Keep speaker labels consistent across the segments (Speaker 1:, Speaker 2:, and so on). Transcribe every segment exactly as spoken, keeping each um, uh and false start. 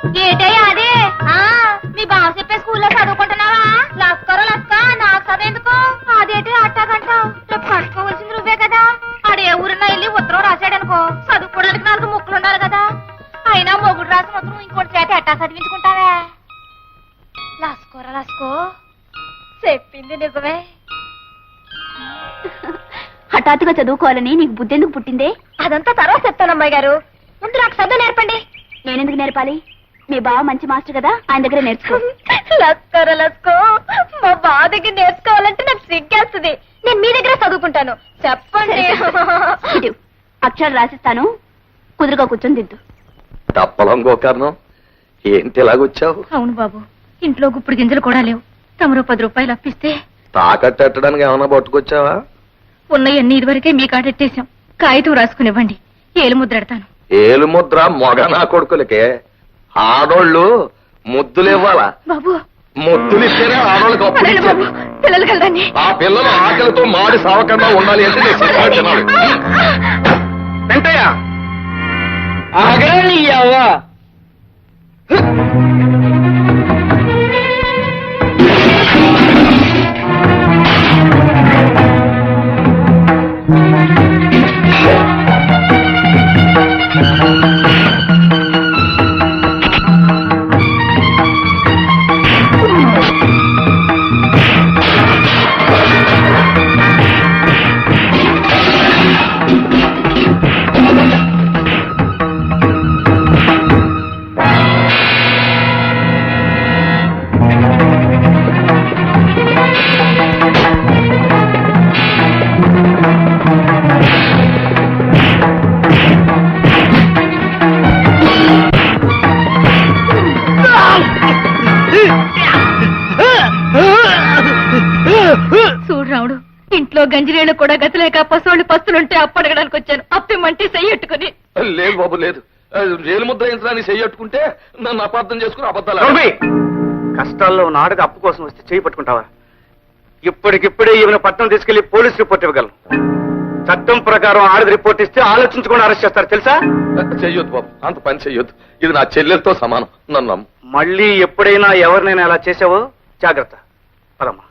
Speaker 1: ఏటయ్యా అదే మీ బావ చెప్పే స్కూల్లో చదువుకుంటున్నావా? లస్కరో లస్క నాకు చదువుఎందుకు? అదేంటి అట్టాగంటావు? రేపు కట్టుకోవాల్సింది నువ్వే కదా. ఆడే ఊరినా వెళ్ళి ఉత్తరం రాశాడనుకో చదువుకోవడానికి నాలుగు ముక్కలు ఉండాలి కదా. అయినా మొగుడు రాసిన ఉత్తరం ఇంకోటి చేత ఎట్టా చదివించుకుంటావే? లస్కోరా లస్కో చెప్పింది నిజమే.
Speaker 2: హఠాత్తుగా చదువుకోవాలని నీకు బుద్ధి ఎందుకు పుట్టిందే?
Speaker 1: అదంతా తర్వాత చెప్తాను అమ్మాయి గారు, ముందు నాకు చదువు నేర్పండి.
Speaker 2: నేనెందుకు నేర్పాలి? మీ బావ మంచి మాస్టర్ కదా, ఆయన దగ్గర నేర్చుకో.
Speaker 1: లస్కర లస్కో మా బావ దగ్గర నేర్చుకోవాలంటే నాకు సిగ్గేస్తుంది. నేను మీ దగ్గర చదువుకుంటాను. చెప్పండి.
Speaker 2: అక్షరాలు రాసిస్తాను, కుదురుగా కూర్చొని దిద్దు.
Speaker 3: తప్పలం గోకర్ణం, ఏంటి ఎలాగొచ్చావు?
Speaker 1: అవును బాబు, ఇంట్లో గుప్పుడు గింజలు కూడా లేవు. తమరు పది రూపాయలు అప్పిస్తే
Speaker 3: తాకట్టడానికి ఏమైనా పట్టుకొచ్చావా?
Speaker 1: ఉన్నయన్ని ఇదివరకే మీ కాటెట్టేశాం. కాగితం రాసుకునివ్వండి, ఏలు ముద్రెడతాను.
Speaker 3: ఏలు ముద్ర మొగ నా కొడుకులకే. ఆడోళ్ళు ముద్దులు ఇవ్వాలా
Speaker 1: బాబు?
Speaker 3: ముద్దులు ఇస్తేనే ఆడోళ్ళకి అప్పుడు ఇచ్చేది.
Speaker 1: పిల్లలు కలదండి.
Speaker 3: ఆ పిల్లలు ఆకలితో మాడి సావకుండా ఉండాలి అంటే నేను సినిమా తినాలి. వెంటయ్య
Speaker 4: ఆగయ్యవ్వా,
Speaker 1: చూడు రావుడు, ఇంట్లో గంజిరేళ్ళు కూడా గతిలేక పశువులు పస్తులుంటే అప్పడగడానికి వచ్చాను. అప్పిమంటే చెయ్యట్టుకుని.
Speaker 3: లేదు బాబు లేదు, రేలు ముద్ర యంత్రాన్ని చెయ్యట్టుకుంటే నన్ను అపార్థం చేసుకుని అబద్ధాలు.
Speaker 4: కష్టాల్లో ఉన్న ఆడది అప్పు కోసం వస్తే చేయి పట్టుకుంటావా? ఇప్పటికిప్పుడే ఈమెను పట్టణం తీసుకెళ్లి పోలీస్ రిపోర్ట్ ఇవ్వగలను. చట్టం ప్రకారం ఆడది రిపోర్ట్ ఇస్తే ఆలోచించకుండా అరెస్ట్ చేస్తారు తెలుసా?
Speaker 3: చెయ్యొద్దు బాబు, అంత పని చెయ్యొద్దు. ఇది నా చెల్లెలతో సమానం, నన్ను నమ్ము.
Speaker 4: మళ్ళీ ఎప్పుడైనా ఎవరినైనా అలా చేసావో జాగ్రత్త. పదమ్మా.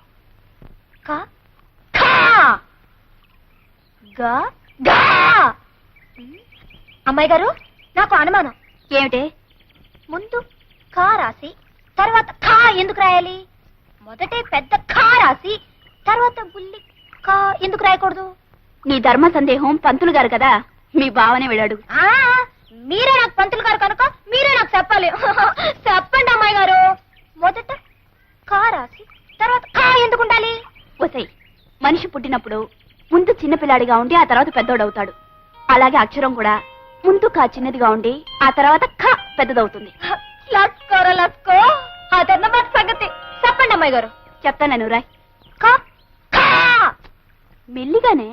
Speaker 1: అమ్మాయి గారు, నాకు అనుమానం.
Speaker 2: ఏమిటే?
Speaker 1: ముందు కా రాసి తర్వాత ఖా ఎందుకు రాయాలి? మొదటే పెద్ద ఖా రాసి తర్వాత బుల్లి కా ఎందుకు రాయకూడదు?
Speaker 2: నీ ధర్మ సందేహం పంతులు గారు కదా, మీ బావనే వెళ్ళాడు.
Speaker 1: ఆ మీరే నాకు పంతులు గారు కనుక మీరే నాకు చెప్పాలి. చెప్పండి అమ్మాయి గారు. మొదట కా రాసి తర్వాత ఖా ఎందుకు ఉండాలి?
Speaker 2: ఒసై, మనిషి పుట్టినప్పుడు ముందు చిన్నపిల్లాడిగా ఉండి ఆ తర్వాత పెద్దోడవుతాడు. అలాగే అక్షరం కూడా ముందు కా చిన్నదిగా ఉండి ఆ తర్వాత ఖ పెద్దదవుతుంది.
Speaker 1: లస్కోర లస్కో అదన్నమాట సంగతి. చెప్పండి అమ్మాయి గారు.
Speaker 2: చెప్తాను రాయ్.
Speaker 1: ఖా ఖా
Speaker 2: మెల్లిగానే.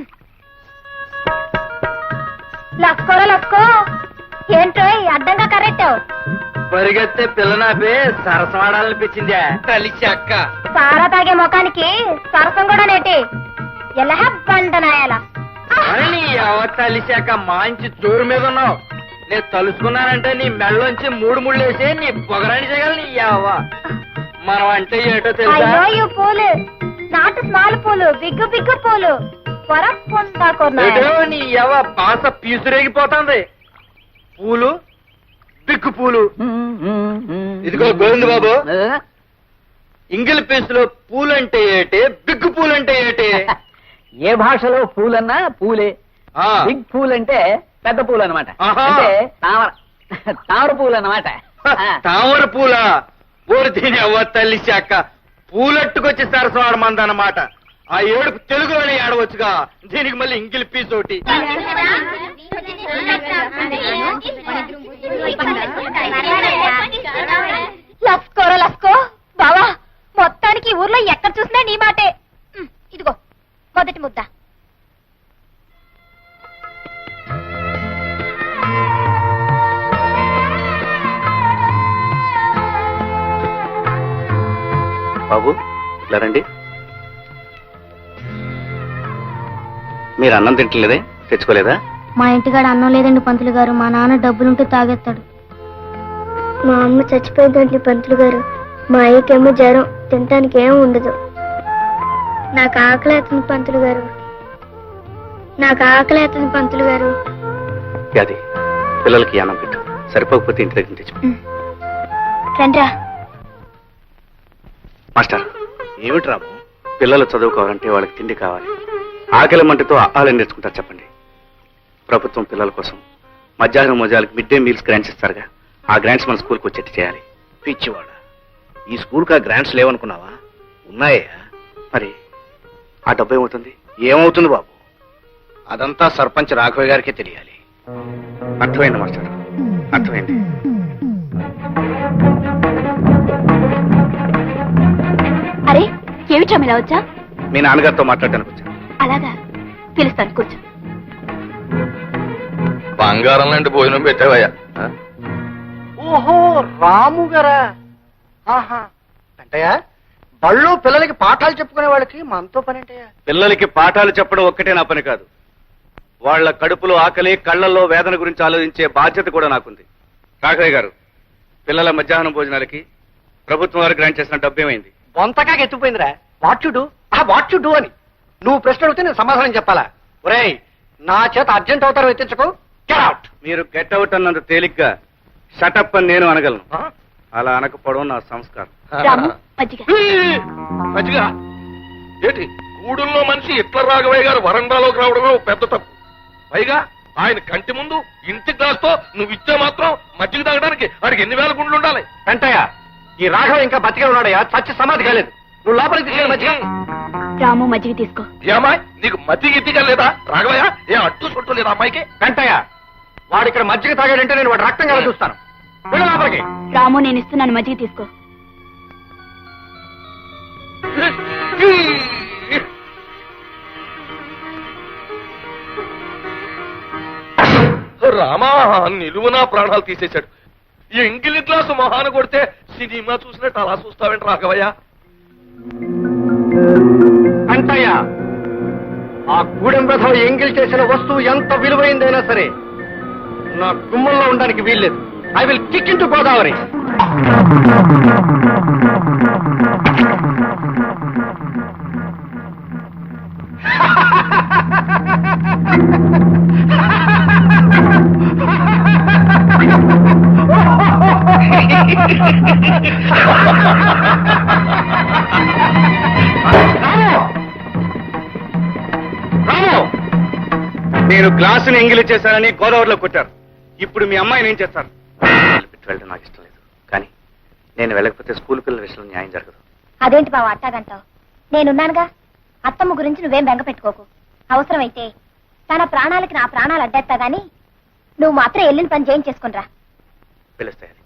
Speaker 1: లస్కోర లస్కో ఏంటో అడ్డంగా కరెక్టావు.
Speaker 4: పరిగెత్తే పిల్లనాపే సరసమాడాలనిపించిందా? కలిసి అక్క
Speaker 1: సారా తాగే ముఖానికి సరసం కూడా నేటి ఎలా బండనాయాల.
Speaker 4: కలిసాక మంచి జోరు మీద ఉన్నావు. నేను తలుసుకున్నానంటే నీ మెళ్ళలోంచి మూడు ముళ్ళు వేసి నీ పొగరాని చేయగల నీ యావ. మనం అంటే ఏటో తెలుసా?
Speaker 1: అయ్యో ఈ పూలు నాటు స్మాల్ పూలు, బిగ్గు బిగ్గు పూలు
Speaker 4: నీ యవ పాస పీసురేగిపోతుంది. పూలు బిగ్గు పూలు. ఇదిగో గోవింద బాబు, ఇంగిల్ పీసులో పూలంటే ఏటే, బిగ్గు పూలంటే ఏటే?
Speaker 5: ఏ భాషలో పూలన్నా పూలే. బిగ్ పూల్ అంటే పెద్ద పూలు అనమాట. అంటే తామర తామర పూలు అన్నమాట.
Speaker 4: తామర పూల ఊరు దీని అవ్వ తల్లి శాఖ పూలట్టుకొచ్చి సరసవాడమందన్నమాట. ఆ ఏడుపు తెలుగులోనే ఆడవచ్చుగా, దీనికి మళ్ళీ ఇంగిల్ పీస్ ఒకటి.
Speaker 1: లస్కోరా లస్కో బావా, మొత్తానికి ఊర్లో ఎక్కడ చూసినా నీ మాటే. ఇదిగో మొదటి ముద్ద.
Speaker 4: బాబు ఇట్లా రండి. మీరు అన్నం తింటలేదే, తెచ్చుకోలేదా?
Speaker 6: మా ఇంటికాడ అన్నం లేదండి పంతులు గారు. మా నాన్న డబ్బులుంటే తాగేస్తాడు. మా అమ్మ చచ్చిపోయిందండి పంతులు గారు. మా అయ్యకేమో జ్వరం, తినటానికి ఏం ఉండదు. నాకు ఆకలి అవుతుంది పంతులు గారు. నాకు ఆకలి అవుతుంది పంతులు గారు.
Speaker 4: అది పిల్లలకి అన్నం పెట్టు, సరిపోకపోతే ఇంటి దగ్గర తెచ్చు.
Speaker 2: రండ్రా.
Speaker 4: మాస్టర్, ఏమిటి రాము? పిల్లలు చదువుకోవాలంటే వాళ్ళకి తిండి కావాలి. ఆకలి మంటతో ఆహారం నేర్చుకుంటారు చెప్పండి. ప్రభుత్వం పిల్లల కోసం మధ్యాహ్నం మోజాలకు మిడ్ డే మీల్స్ గ్రాంట్స్ ఇస్తారుగా, ఆ గ్రాంట్స్ మన స్కూల్కి వచ్చేట్టు చేయాలి.
Speaker 7: పిచ్చివాడ, ఈ స్కూల్కి ఆ గ్రాంట్స్ లేవనుకున్నావా? ఉన్నాయా?
Speaker 4: మరి ఆ డబ్బు ఏమవుతుంది?
Speaker 7: ఏమవుతుంది బాబు, అదంతా సర్పంచ్ రాఘవ గారికే తెలియాలి.
Speaker 4: అర్థమైంది మాస్టర్, అర్థమైంది.
Speaker 2: అరే ఏమిటా ఇలా వచ్చా?
Speaker 4: మీ నాన్నగారితో మాట్లాడడానికి వచ్చాను.
Speaker 2: అలాగా, పిలుస్తాను, కూర్చో.
Speaker 3: బంగారం లాంటి భోజనం పెట్టావయ్యా. ఆ?
Speaker 7: ఓహో, రాము గారా? ఆహా, అంటయ్యా బళ్ళు పిల్లలకి పాఠాలు చెప్పుకునే వాళ్ళకి మనతో పని అంటయ్యా.
Speaker 4: పిల్లలకి పాఠాలు చెప్పడం ఒక్కటే నా పని కాదు, వాళ్ళ కడుపులో ఆకలి, కళ్ళల్లో వేదన గురించి ఆలోచించే బాధ్యత కూడా నాకుంది. రాఘవయ్య గారు, పిల్లల మధ్యాహ్నం భోజనాలకి ప్రభుత్వం వారు గ్రాంట్ చేసిన డబ్బు ఏమైంది?
Speaker 7: బొంతగా ఎత్తుపోయిందిరా. What you do? ఆ వాట్ యు డూ అని నువ్వు ప్రశ్న అడిగితే నేను సమాధానం చెప్పాలా? ఒరేయ్, నా చేత అర్జెంట్ అవుతారు ఎత్తించకు. Get out.
Speaker 4: మీరు గెట్ అవుట్ అన్నంత తేలిగ్గా షటప్ అని నేను అనగలను. అలా అనకపోవడం నా సంస్కారం.
Speaker 2: రాము, మజ్జిగ.
Speaker 3: మంచిగా ఏంటి గూడుల్లో మనిషి ఇట్ల రాఘవయ్య గారు వరండాలోకి రావడమే ఓ పెద్ద తప్పు. పైగా ఆయన కంటి ముందు ఇంటి గ్లాస్తో నువ్వు ఇచ్చే మాత్రం మజ్జిగ తాగడానికి వాడికి ఎన్ని వేల గుండ్లు ఉండాలి?
Speaker 4: వెంటయ్య, ఈ రాఘవ ఇంకా బతికే ఉన్నాడయ్యా, చచ్చి సమాధి కాలేదు. నువ్వు లోపలికి తీసుకెళ్ళి మజ్జిగ.
Speaker 2: రాము, మజ్జిగ తీసుకో.
Speaker 3: ఏమాయ్, నీకు మజ్జిగ ఇద్దిగా లేదా? రాఘవయ్య, ఏ అడ్డు చుట్టూ లేదా అమ్మాయికి?
Speaker 4: వెంటయ్య, వాడు ఇక్కడ మజ్జిగ తాగాడంటే నేను వాడు రక్తం కల చూస్తాను. వెళ్ళు లోపలికి.
Speaker 2: రాము, నేను ఇస్తున్నాను, మజ్జిగ తీసుకో.
Speaker 3: రామా, నిలువునా ప్రాణాలు తీసేశాడు. ఈ ఎంగిలి గ్లాసు మహాన కొడితే సినిమా చూసినట్టు అలా చూస్తావేంటి రాఘవయ్య?
Speaker 4: వెంటయ్య, ఆ గూడెం రథం ఎంగిల్ చేసిన వస్తువు ఎంత విలువైందైనా సరే నా గుమ్మంలో ఉండడానికి వీల్లేదు. I will kick into Godavari. నేను గ్లాసుని ఎంగిలి చేశానని గోదావరిలో కొట్టారు. ఇప్పుడు మీ అమ్మాయిని ఏం చేస్తారు? వెళ్ళడం నాకు ఇష్టం లేదు, కానీ నేను వెళ్ళకపోతే స్కూల్ పిల్లల విషయంలో న్యాయం జరగదు.
Speaker 1: అదేంటి బావ అట్టాగంటావు? నేనున్నానుగా. అత్తమ్మ గురించి నువ్వేం బెంగ పెట్టుకోకు. అవసరమైతే తన ప్రాణాలకి నా ప్రాణాలు అడ్డేస్తా గాని నువ్వు మాత్రం వెళ్ళిన పని చేయించేసుకునిరా.
Speaker 4: పిలుస్తాయి.